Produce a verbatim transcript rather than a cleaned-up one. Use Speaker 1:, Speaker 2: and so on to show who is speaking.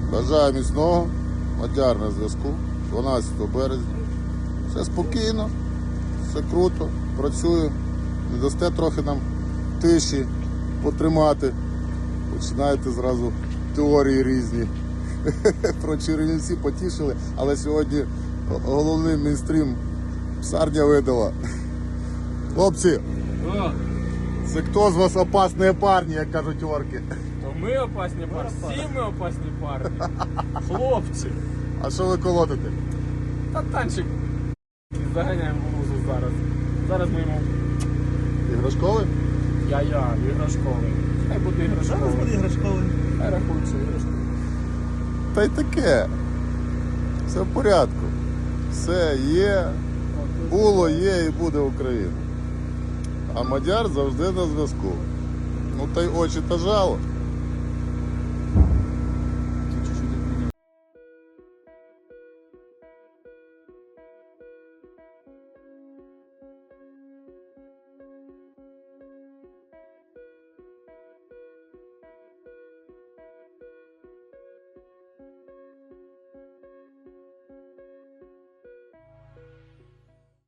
Speaker 1: Бажаю міцного. Мадяр на зв'язку. дванадцятого березня. Все спокійно, все круто, працюю. Не дасте трохи нам тиші потримати. Починаєте зразу теорії різні. Про Чернівці потішили, але сьогодні головний мейнстрім псарня видала. Хлопці,
Speaker 2: О,
Speaker 1: це хто з вас опасні парні, як кажуть орки?
Speaker 2: то ми опасні парні, всі ми опасні парні. Хлопці.
Speaker 1: А що ви колотите?
Speaker 2: Та танчик заганяємо в лузу зараз. Зараз ми йому
Speaker 1: Іграшковий?
Speaker 2: я-я, іграшковий. Хай буде іграшковий.
Speaker 3: Зараз буде іграшковий.
Speaker 2: Хай рахується іграшковий.
Speaker 1: Та й таке. Все в порядку. Все є, було, є і буде Україна. А Мадяр завжди на зв'язку. Ну та й очі та жало.